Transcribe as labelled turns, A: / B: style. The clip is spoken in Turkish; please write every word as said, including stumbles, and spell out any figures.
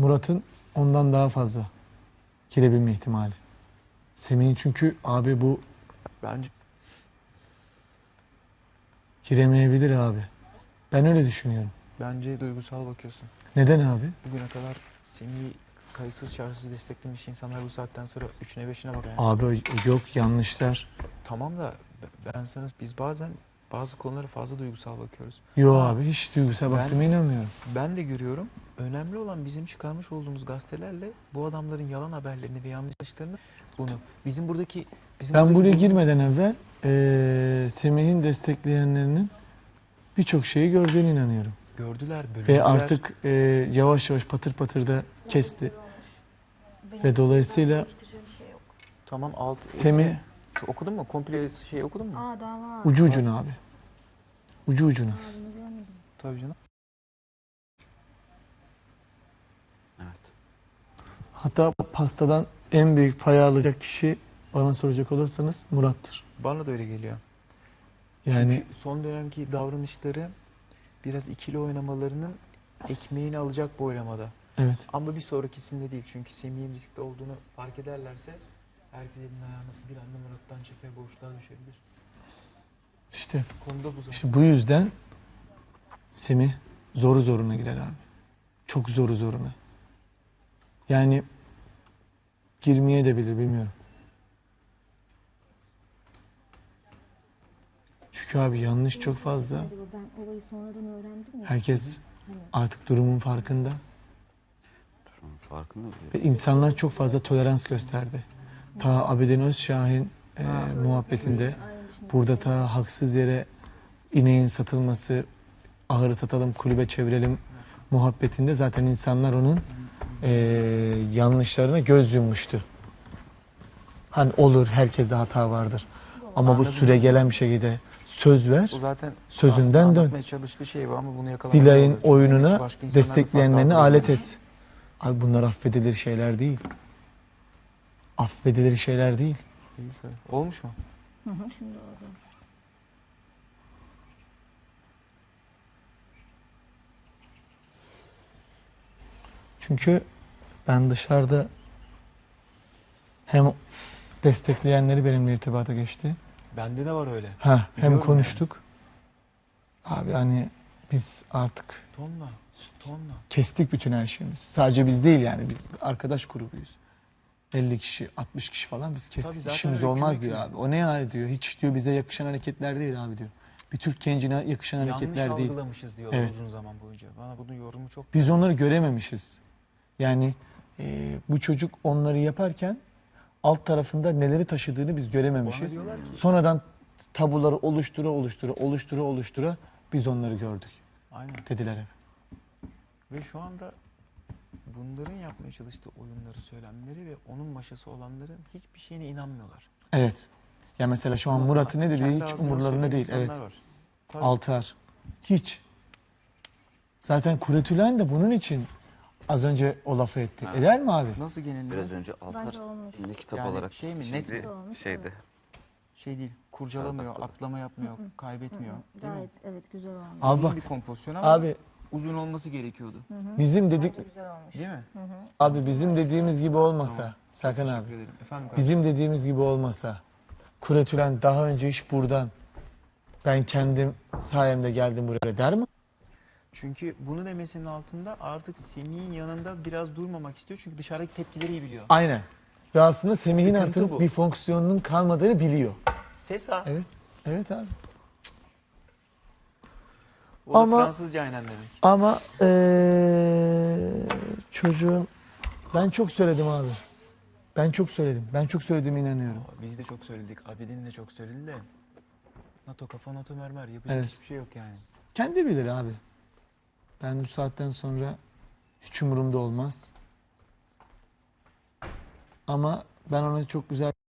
A: Murat'ın ondan daha fazla girebilme ihtimali. Semih'in çünkü abi bu
B: Bence
A: giremeyebilir abi. Ben öyle düşünüyorum.
B: bence duygusal bakıyorsun.
A: Neden abi?
B: Bugüne kadar Semih'i kayıtsız şartsız desteklemiş insanlar bu saatten sonra üçüne beşine bak yani.
A: Abi yok, yanlışlar.
B: Tamam da ben sana biz bazen bazı konulara fazla duygusal bakıyoruz.
A: Yok
B: Ha,
A: abi, hiç duygusal
B: ben-
A: baktığıma inanmıyorum.
B: Ben de görüyorum. Önemli olan bizim çıkarmış olduğumuz gazetelerle bu adamların yalan haberlerini ve yanlışlarını bunu bizim buradaki bizim
A: Ben
B: buradaki
A: buraya
B: bu-
A: girmeden evvel eee Semih'in destekleyenlerinin birçok şeyi gördüğüne inanıyorum.
B: gördüler, bölündüler.
A: Ve artık eee, yavaş yavaş patır patır da kesti. Ve dolayısıyla
B: Tamam alt
A: Semih-
B: hepsini- okudun mu? Komple şey okudun mu?
C: Aa daha var.
A: ucu ucuna abi. Ucu ucuna.
C: Aa, bunu görmedim.
B: Tabii canım.
A: Hatta pastadan en büyük payı alacak kişi bana soracak olursanız Murat'tır.
B: Bana da öyle geliyor.
A: Yani
B: Çünkü son dönemki davranışları biraz ikili oynamalarının ekmeğini alacak bu oylamada.
A: evet.
B: Ama bir sonrakisinde değil. Çünkü Semih'in riskli olduğunu fark ederlerse herkes elinin ayağını bir anda Murat'tan çeker, boşluğa düşebilir.
A: İşte,
B: Konuda bu zaten.
A: işte bu yüzden Semih zoru zoruna girer abi. Çok zoru zoruna. Yani girmeye de bilir, bilmiyorum. Çünkü abi yanlış çok fazla.
C: Acaba ben olayı sonradan öğrendim ya.
A: Herkes
C: Hani
A: artık durumun farkında.
D: Farkında değil.
A: Ve insanlar çok fazla tolerans gösterdi. Ta Abidin Özşahin e, muhabbetinde
C: aynı düşünüyorum.
A: burada ta haksız yere ineğin satılması, ahırı satalım, kulübe çevirelim muhabbetinde zaten insanlar onun e, yanlışlarına göz yummuştu. Hani olur, herkeste hata vardır. Ama bu
B: Anladım.
A: süre gelen bir şekilde söz ver,
B: O zaten
A: sözünden
B: aslında
A: dön.
B: anlatmaya çalıştığı şey bu ama bunu yakalamaya
A: Dilay'ın
B: oluyor. Çünkü demek ki
A: oyununa
B: başka insanlar da
A: destekleyenlerini
B: farklı
A: alet
B: algılıyorlar.
A: et. Abi bunlar affedilir şeyler değil. Affedilir şeyler değil.
B: Değil tabii. Olmuş mu?
C: Hı hı, şimdi oldu.
A: Çünkü ben dışarıda hem destekleyenleri benimle irtibata geçti.
B: Bende de var öyle.
A: Ha, hem
B: Biliyorum
A: konuştuk. Abi hani biz artık
B: Tonla. Tonla.
A: kestik bütün her şeyimizi. Sadece biz değil yani, biz arkadaş grubuyuz. elli kişi, altmış kişi falan biz kestik.
B: Tabii zaten
A: İşimiz
B: öyle
A: olmaz
B: küme
A: diyor
B: küme.
A: abi. O ne yani diyor. Hiç diyor bize yakışan hareketler değil abi diyor. Bir Türk gencine yakışan
B: Yanlış
A: hareketler değil.
B: algılamışız diyorlar
A: Evet.
B: uzun zaman boyunca. Bana bunun yorumu çok...
A: Biz onları görememişiz. Yani e, bu çocuk onları yaparken alt tarafında neleri taşıdığını biz görememişiz.
B: Bana diyorlar ki-
A: Sonradan tabuları oluştura oluştura oluştura oluştura biz onları gördük
B: Aynen.
A: dediler hep.
B: Ve şu anda bunların yapmaya çalıştığı oyunları, söylemleri ve onun maşası olanların hiçbir şeyine inanmıyorlar.
A: Evet. Ya mesela şu an
B: Ama
A: Murat'ın ne dediği
B: kendi
A: hiç
B: ağzından
A: umurlarında
B: söyleyen
A: değil. Evet.
B: insanlar var. Tabii.
A: Altar. Hiç. Zaten Kuretülen de bunun için az önce o lafı etti.
D: Ha.
A: Eder mi abi?
B: Nasıl geneliyor?
D: Biraz önce Altar
C: Bence olmuş.
D: ne kitap
B: Yani
D: olarak
B: şey mi, net
D: şimdi
C: mi? Olmuş,
D: şeyde.
B: Şey değil, kurcalamıyor,
D: Atladı.
B: atlama yapmıyor,
C: Hı hı.
B: kaybetmiyor.
C: Hı hı,
B: Değil mi?
C: Gayet evet güzel olmuş.
A: Abi
B: Uzun
A: bak.
B: bir kompozisyon ama
A: Abi
B: uzun olması gerekiyordu.
C: Hı hı.
A: bizim dedik
C: Bence güzel olmuş.
B: Değil mi?
C: Hı hı.
A: abi bizim dediğimiz gibi olmasa
B: Tamam.
A: Serkan
B: Teşekkür
A: abi.
B: ederim. Efendim kardeşim?
A: Bizim dediğimiz gibi olmasa Kuretülen daha önce hiç buradan ben kendim sayemde geldim buraya der mi?
B: Çünkü bunu demesinin altında artık Semih'in yanında biraz durmamak istiyor. Çünkü dışarıdaki tepkileri iyi biliyor.
A: Aynen. Ve aslında Semih'in
B: Sıkıntı
A: artık
B: bu.
A: bir fonksiyonunun kalmadığını biliyor.
B: Sesa.
A: Evet. Evet abi.
B: O da
A: Ama-
B: Fransızca aynen demek.
A: Ama eee, çocuğun ben çok söyledim abi. Ben çok söyledim. Ben çok söylediğime inanıyorum.
B: Biz de çok söyledik. Abidin de çok söyledi de. NATO kafa NATO mermer. Yapacak
A: Evet.
B: hiçbir şey yok yani.
A: Kendi bilir abi. Ben bu saatten sonra hiç umurumda olmaz. Ama ben ona çok güzel